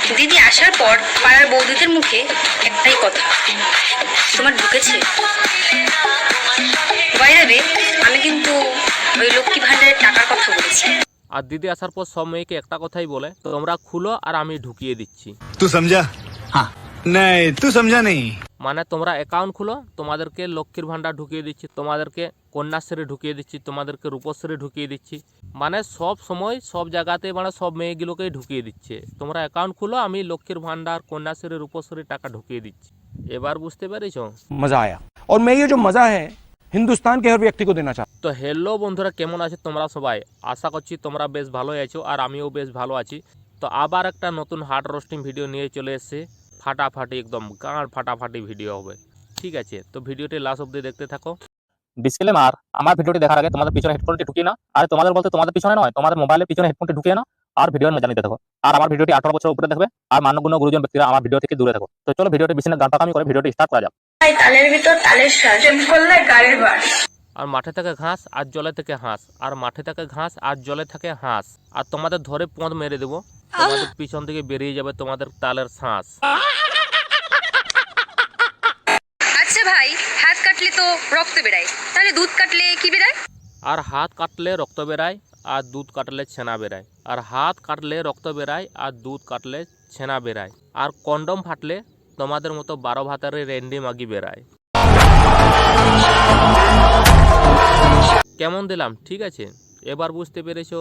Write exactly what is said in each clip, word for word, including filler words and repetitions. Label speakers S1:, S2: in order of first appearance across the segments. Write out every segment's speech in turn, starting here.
S1: দিদি আসার পর পাড়ার বৌদিদের মুখে একটাই কথা, তোমার ঢুকেছে। বাইরে আমি কিন্তু ওই লক্ষ্মী ভান্ডারের টাকার কথা বলেছি।
S2: আর দিদি আসার পর সব মেয়েকে একটা কথাই বলে, তোমরা খুলো আর আমি ঢুকিয়ে দিচ্ছি।
S3: তুই সমঝা? হ্যাঁ। নাই তুই সমঝা নেই।
S2: মানে তোমরা অ্যাকাউন্ট খুলো, তোমাদেরকে লক্ষ্মীর ভান্ডার ঢুকিয়ে দিচ্ছি, তোমাদেরকে কন্যাশ্রী ঢুকিয়ে দিচ্ছি, তোমাদেরকে রূপশ্রী ঢুকিয়ে দিচ্ছি। মানে সব সময় সব জায়গাতে মানে সব মেয়েগুলোকেই ঢুকিয়ে দিচ্ছে। তোমরা অ্যাকাউন্ট খুলো, আমি লক্ষ্মীর ভান্ডার কন্যাশ্রী রূপশ্রী টাকা ঢুকিয়ে দিচ্ছি। এবার বুঝতে পেরেছো?
S4: मजा आया और मैं ये जो मजा है हिंदुस्तान के हर व्यक्ति को देना चाहता हूं।
S2: তো হ্যালো বন্ধুরা, কেমন আছো তোমরা সবাই? আশা করছি তোমরা বেশ ভালোই আছো আর আমিও বেশ ভালো আছি। তো আবার একটা নতুন হার্ড রোস্টিং ভিডিও নিয়ে চলে এসেছে। ফাটাফাটি একদম গাঁড় ফাটাফাটি ভিডিও হবে, ঠিক আছে? তো ভিডিওটি লাস্ট অবধি দেখতে থাকো।
S5: ডিসক্লেমার, আমার ভিডিওটি দেখার আগে তোমাদের পিছনে হেডফোনটি ঢুকিয়ে না, আর তোমাদের বলতে তোমাদের পিছনে নয়, তোমাদের মোবাইলের পিছনে হেডফোনটি ঢুকিয়ে না আর ভিডিওর মজা নিতে থাকো। আর আমার ভিডিওটি আঠারো বছর উপরে দেখবে আর মান্যগণ্য গুরুজন ব্যক্তিরা আমার ভিডিও থেকে দূরে থাকো। তো চলো ভিডিওটি বেশি না গান পাকামি করে ভিডিওটি স্টার্ট করা যাক।
S1: তালের ভিতর তালের শ্বাস করলে গাড়ির বাস।
S2: আর মাঠে থাকে ঘাস আর জলে থাকে হাঁস, আর মাঠে থাকে ঘাস আর জলে থাকে হাঁস, আর তোমাদের ধরে পদ মেরে দেবো, তোমাদের পিছন থেকে বেরিয়ে যাবে তোমাদের তালের শ্বাস।
S1: আচ্ছা ভাই, হাত কাটলে তো রক্ত বেরায়, তাহলে দুধ কাটলে কি বেরায়?
S2: আর হাত কাটলে রক্ত বেরায় আর দুধ কাটলে ছেনা বেরায়। আর হাত কাটলে রক্ত বেরায় আর দুধ কাটলে ছেনা বেরায়। আর কন্ডম ফাটলে তোমাদের মতো বারো ভাতারে রেন্ডি মাগি বেরায়। কেমন দিলাম? ঠিক আছে, এবার বুঝতে পেরেছো?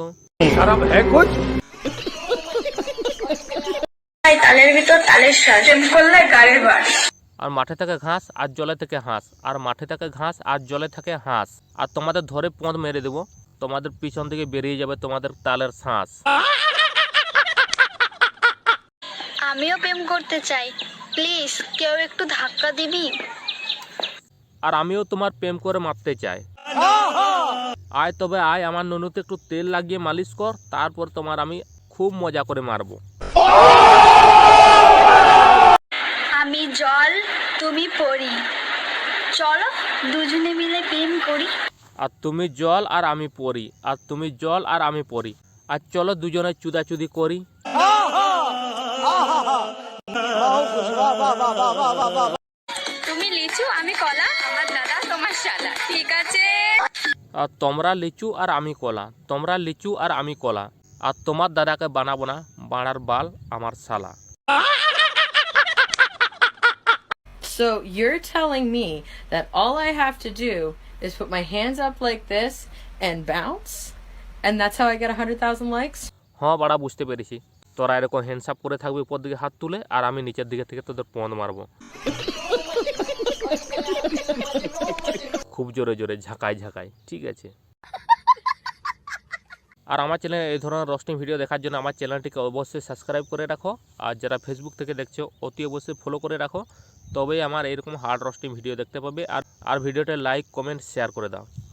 S1: তালের ভিতর তালের শ্বাস করলে গাড়ির বাস।
S2: আর মাঠে থাকে ঘাস আর জলে থাকে হাঁস, আর মাঠে থাকে ঘাস আর জলে থাকে হাঁস, আর তোমাদের ধরে পদ মেরে দেবো, তোমাদের পিছন থেকে বেরিয়ে যাবে তোমাদের তালের শ্বাস।
S6: আমিও প্রেম করতে চাই, প্লিজ কেউ একটু ধাক্কা দিবি।
S2: আর আমিও তোমার প্রেম করে মারতে চাই। আয় তবে আয়, আমার নুনুতে একটু তেল লাগিয়ে মালিশ কর, তারপর তোমার আমি খুব মজা করে মারবো।
S6: আমি জল, তুমি পরি, চলো দুজনে মিলে প্রেম করি।
S2: আর তুমি জল আর আমি পড়ি, আর তুমি জল আর আমি পড়ি, আর চলো দুজনে চুদাচুদি করি।
S1: তুমি লিচু আমি কলা, আমার দাদা তোমার শালা, ঠিক আছে?
S2: আর তোমরা লিচু আর আমি কলা, তোমরা লিচু আর আমি কলা, আর তোমার দাদাকে বানাবো না বাড়ার বাল আমার শালা।
S7: So you're telling me that all I have to do is put my hands up like this and bounce, and that's how I get one hundred thousand likes?
S2: হ্যাঁ বাড়া, বুঝতে পেরেছি। তোরা এরকম হ্যান্ডসাপ করে থাকবি উপর দিকে হাত তুলে, আর আমি নিচের দিকে থেকে তোদের পদ মারবো খুব জোরে জোরে, ঝাঁকায় ঝাঁকায়, ঠিক আছে? আর আমার চ্যানেলে এই ধরনের রোস্টিং ভিডিও দেখার জন্য আমার চ্যানেলটিকে অবশ্যই সাবস্ক্রাইব করে রাখো, আর যারা ফেসবুক থেকে দেখছো অতি অবশ্যই ফলো করে রাখো, তবেই আমার এরকম হার্ড রোস্টিং ভিডিও দেখতে পাবে। আর আর ভিডিওটা লাইক কমেন্ট শেয়ার করে দাও।